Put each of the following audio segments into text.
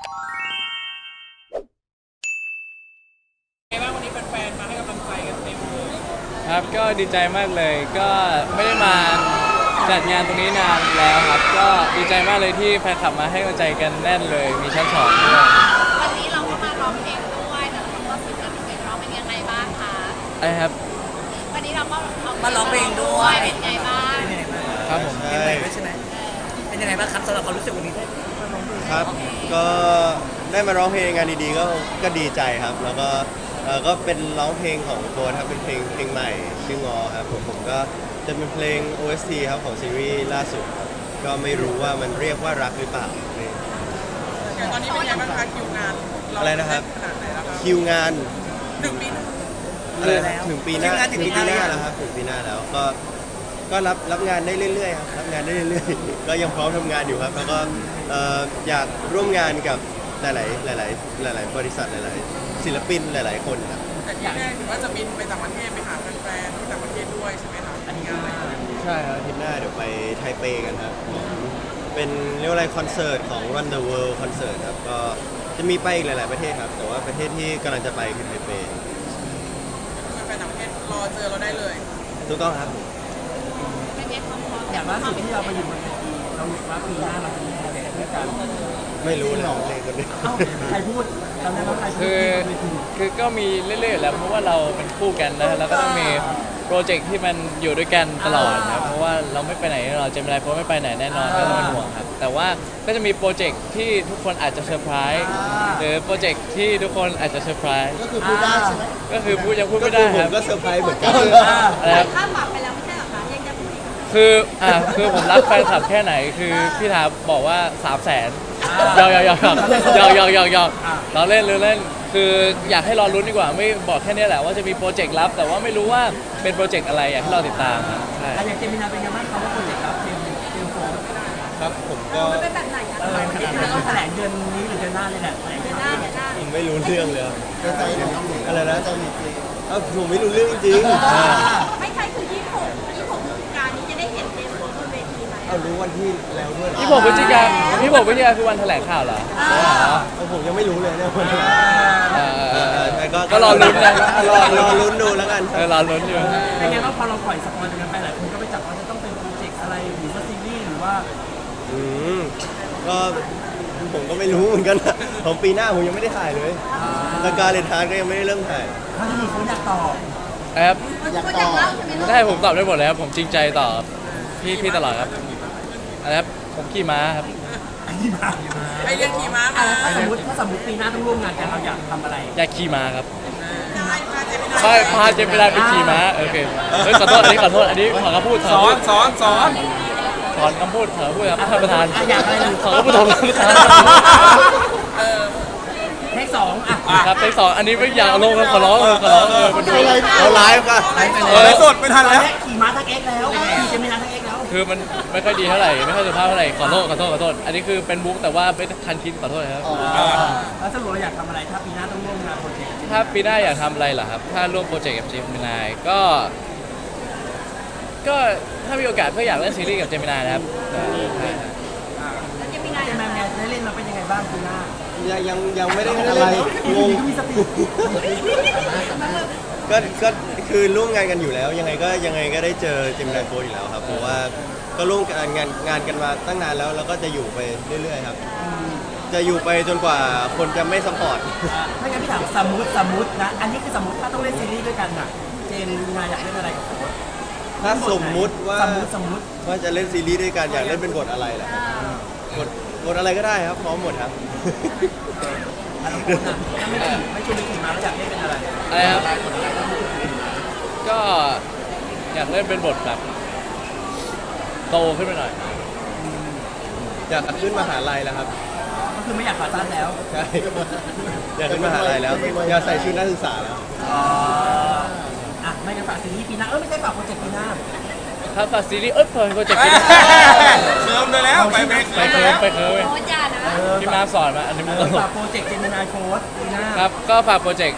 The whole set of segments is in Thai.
ไงบ้างวันนี้แฟนๆมาให้กำลังใจกันเต็มเลยครับก็ดีใจมากเลยก็ไม่ได้มาจัดงานตรงนี้นานแล้วครับก็ดีใจมากเลยที่แฟนคลับมาให้กำลังใจกันแน่นเลยมีชั้นสองด้วยวันนี้เราก็มาร้องเพลงด้วยแต่เราก็สิบเพลงร้องเป็นยังไงบ้างคะอะไรครับวันนี้เราก็มาร้องเพลงด้วยเป็นยังไงบ้างครับผมเป็นยังไงบ้างใช่ไหมเป็นยังไงบ้างครับสำหรับความรู้สึกวันนี้ครับก็ได้มาร้องเพลงงานดีๆก็ดีใจครับแล้วก็เป็นร้องเพลงของโบทครับเป็นเพลงใหม่ชื่องอครับผมก็จะเป็นเพลง OST ครับของซีรีส์ล่าสุดครับก็ไม่รู้ว่ามันเรียกว่ารักหรือเปล่าตอนนี้เป็นยังไงบ้างคะคิวงานอะไรนะครับขนาดไหนแล้วครับคิวงาน 1 ปีอะไรถึงปีหน้าแล้วครับถึงปีหน้าแล้วก็รับงานได้เรื่อยๆครับรับงานได้เรื่อยๆก็ยังพร้อมทำงานอยู่ครับแล้วก็อยากร่วมงานกับหลายบริษัทหลายๆศิลปินหลายๆคนครับแต่ที่แน่ถือว่าจะบินไปต่างประเทศไปหาแฟนๆที่ต่างประเทศด้วยใช่ไหมครับอันนี้งานอะไรใช่ครับอาทิตย์หน้าเดี๋ยวไปไทเปกันครับเป็นเรียกว่าอะไรคอนเสิร์ตของ Run the World คอนเสิร์ตครับก็จะมีไปอีกหลายๆประเทศครับแต่ว่าประเทศที่กำลังจะไปคือไทเปแฟนต่างประเทศรอเจอเราได้เลยถูกต้องครับอย่างล่าสุดที่เราไปอยู่บนเวทีเราหยุดว่าปีหน้าเราจะมีอะไรด้วยกันไม่รู้เลยเลยคนนี้ใครพูดจำได้ไหมใครพูดคือก็มีเรื่อยๆแล้วเพราะว่าเราเป็นคู่กันนะแล้วก็ต้องมีโปรเจกต์ที่มันอยู่ด้วยกันตลอดนะเพราะว่าเราไม่ไปไหนเราจะไม่ได้เพราะไม่ไปไหนแน่นอนก็ต้องเป็นห่วงครับแต่ว่าก็จะมีโปรเจกต์ที่ทุกคนอาจจะเซอร์ไพรส์หรือโปรเจกต์ที่ทุกคนอาจจะเซอร์ไพรส์ก็คือพูดได้ใช่ไหมก็คือยังพูดไม่ได้ครับก็เซอร์ไพรส์เหมือนกันข้ามปากไปแล้วไม่ใช่หรอคะยังจะพูดอีกคือผมรักแฟนคลับแค่ไหนคือพี่ถาบอกว่า300,000ยอกเราเล่นคืออยากให้รอลุ้นดีกว่าไม่บอกแค่นี้แหละว่าจะมีโปรเจกต์ลับแต่ว่าไม่รู้ว่าเป็นโปรเจกต์อะไรอยากให้เราติดตามใช่อย่างเจมินาเป็นยังไงบ้างครับว่าโปรเจกต์ลับเจมโฟมครับผมก็เป็นแบบไหนคะต้องแถลงเดือนนี้หรือเดือนหน้าเลยแหละเดือนหน้าผมไม่รู้เรื่องเลยอะไรนะผมไม่รู้เรื่องจริงไม่ใช่คือ26พฤศจิกายนนี้จะได้เห็นเจมส์บนเวทีไหมรู้วันที่แล้วด้วย 26 พฤศจิกายนคือวันแถลงข่าวเหรอผมยังไม่รู้เลยเนี่ยก็รอลุ้นนะรอลุ้นดูแล้วกันรอลุ้นอยู่เป็นไงว่าพอเราปล่อยสปอยล์กันไปหลายคนก็ไปจับว่าจะต้องเป็นโปรเจกต์อะไรหรือว่าซีรีส์หรือว่าก็ผมก็ไม่รู้เหมือนกันของปีหน้าผมยังไม่ได้ถ่ายเลยแล้วการเรียนทานก็ยังไม่ได้เริ่มถ่ายถ้าจะมีคนอยากตอบครับอยากตอบได้ผมตอบได้หมดเลยครับผมจริงใจตอบพี่ตลอดครับอะไรครับผมขี่ม้าครับไปเรียนขี่ม้าถ้าสมมติปีหน้าต้องร่วมงานกันเราอยากทำอะไรอยากขี่ม้าครับพาเจมินาไปขี่ม้าโอเคขอโทษอันนี้ขอคำพูดสอนคำพูดครับท่านประธานขอคำพูดของท่านประธานเทค2 ครับเทค2อันนี้ไม่อยากลงขอร้องมาดูเราไลฟ์ป่ะสดไม่ทันแล้วขี่ม้าทั้งเอ็กแล้วขี่เจมินาทั้งเอ็กแล้วคือมันไม่ค่อยดีเท่าไหร่ไม่ค่อยสุภาพเท่าไหร่ขอโทษอันนี้คือเป็นบุ๊กแต่ว่าเป็นคันคิดขอโทษครับแล้วสรุปเราอยากทำอะไรถ้าปีหน้าต้องร่วมงานโปรเจกต์ถ้าปีหน้าอยากทำอะไรเหรอครับถ้าร่วมโปรเจกต์กับเจมินายก็ถ้ามีโอกาสก็อยากเล่นซีรีส์กับเจมินายนะครับแล้วเจมินายได้เล่นมาเป็นยังไงบ้างปีหน้ายังไม่ได้อะไรงงก็คือร่วมงานกันอยู่แล้วยังไงก็ได้เจอเจมินาโฟอยู่แล้วครับเพราะว่าก็ร่วมงานกันมาตั้งนานแล้วก็จะอยู่ไปเรื่อยๆครับจะอยู่ไปจนกว่าคนจะไม่ซัพพอร์ตถ้างั้นพี่ถามสมมุตินะอันนี้คือสมมติถ้าต้องเล่นซีรีส์ด้วยกันน่ะเจนงานอยากเล่นอะไรกับโค้ชถ้าสมมุติว่าว่าจะเล่นซีรีส์ด้วยกันอยากเล่นเป็นบทอะไรล่ะบทอะไรก็ได้ครับพร้อมหมดครับถ้าไม่ชวนไปขี่ม้าแล้วอยากเล่นเป็นอะไรครับก็อยากเล่นเป็นบทแบบโตขึ้นไปหน่อยอยากขึ้นมหาลัยแล้วครับก็คือไม่อยากขาสั้นแล้วใช่อยากขึ้นมหาลัยแล้วอยากใส่ชุดนักศึกษาแล้วไม่กันฝากซีรีส์ปีหน้าไม่ใช่ฝากโปรเจกต์ปีหน้าถ้าฝากซีรีส์โปรเจกต์ปีหน้าเคิร์มเลยแล้วไปเคิร์มพี่มาสอนมาอันนี้มึงฝากโปรเจกต์เจมินายโฟร์ปีหน้าครับก็ฝากโปรเจกต์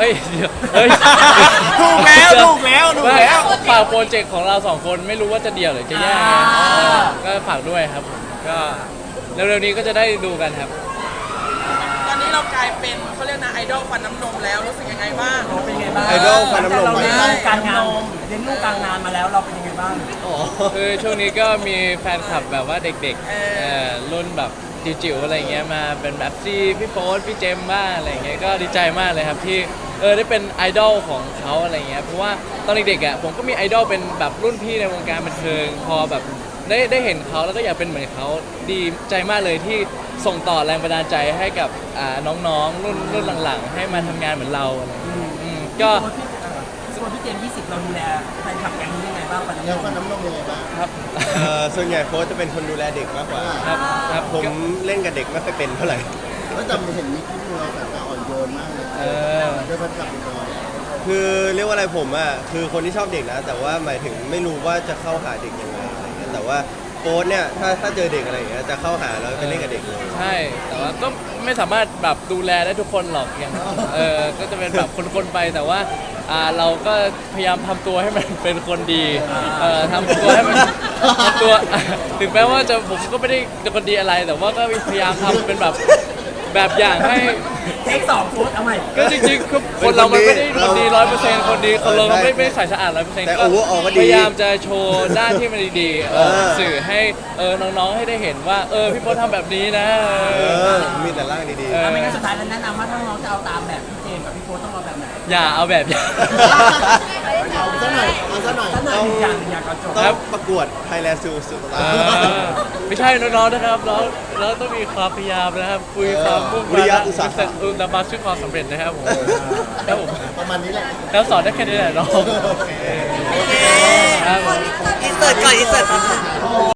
ถูกแล้วฝากโปรเจกต์ของเรา2คนไม่รู้ว่าจะเดี่ยวหรือจะแยกก็ฝากด้วยครับก็เร็วๆนี้ก็จะได้ดูกันครับเรากลายเป็นเขาเรียกนะไอดอลฟันน้ำนมแล้วรู้สึกยังไงบ้างเป็นไงบ้างไอดอลฟันน้ำนมเราไหมเลี้ยงลูกกลางงานเลี้ยงลูกกลางงานมาแล้วเราเป็นยังไงบ้างอ๋อคือช่วงนี้ก็มีแฟนคลับแบบว่าเด็กๆรุ่นแบบจิ๋วๆอะไรเงี้ยมาเป็นแบบพี่โฟสพี่เจมส์บ้างอะไรเงี้ยก็ดีใจมากเลยครับที่ได้เป็นไอดอลของเขาอะไรเงี้ยเพราะว่าตอนเด็กๆอ่ะผมก็มีไอดอลเป็นแบบรุ่นพี่ในวงการบันเทิงพอแบบได้เห็นเขาแล้วก็อยากเป็นเหมือนเขาดีใจมากเลยที่ส่งต่อแรงบันดาลใจให้กับน้องๆรุ่นหลังๆ ให้มาทำงานเหมือนเราอะไรเงี้ยก็ส่วนพี่เจมส์20เราดูแลแฟนคลับแก๊งนี้ยังไงบ้างฟันแล้วฟันน้ำนมน้ำนมยังไงบ้างครับส่วนใหญ่โค้ชจะเป็นคนดูแลเด็กมากกว่าครับผมเล่นกับเด็กไม่ค่อยเป็นเท่าไหร่แล้วจำเห็นมีคลิปเราแบบอ่อนโยนมากเลยเดี๋ยวฟันกลับไปก่อนคือเรียกว่าอะไรผมอ่ะคือคนที่ชอบเด็กนะ แต่ว่าหมายถึงไม่รู้ว่าจะเข้าหาเด็กยังไงอะไรเงี้ยแต่ว่าโค้ชเนี่ยถ้าเจอเด็กอะไรอย่างเงี้ยจะเข้าหาแล้วไปเล่นกับเด็กเลยใช่ แต่ว่าก็ไม่สามารถแบบดูแลได้ทุกคนหรอกอย่างก็จะเป็นแบบคนๆไปแต่ว่าเราก็พยายามทำตัวให้มันเป็นคนดีทำตัวให้มันทำตัว ถึงแม้ว่าผมก็ไม่ได้เป็นคนดีอะไร แต่ว่าก็พยายามทำเป็นแบบอย่างให้เทค2โค้ดเอาใหม่ก็จริงๆคือคนเรามันไม่ได้คนดี100%คนดีคนเราไม่ได้ใส่สะอาด100% แต่ก็ overall ก็ดีพยายามจะโชว์ด้านที่มันดีๆสื่อให้น้องๆให้ได้เห็นว่าพี่โพสทำแบบนี้นะมีแต่ร่างดีไม่งั้นสุดท้ายแล้วแนะนำว่าถ้าน้องจะเอาตามแบบพี่เจมส์กับพี่โค้ดต้องเอาแบบไหนอย่าเอาแบบอย่างเอาซะหน่อยเอาซะหน่อยถ้าหน่อยหนึ่งอย่างอยากเอาจบๆต้องประกวด Thailand Super Star ไม่ใช่น้องๆนะครับเราต้องมีความพยายามนะครับคุยความมุ่งวิริยะอุตสาหะนำมาซึ่งความสำเร็จนะครับผมครับผมประมาณนี้แหละแล้วสอนได้แค่นี้แหละน้องครับผมอินเสิร์ตก่อนอินเสิร์ต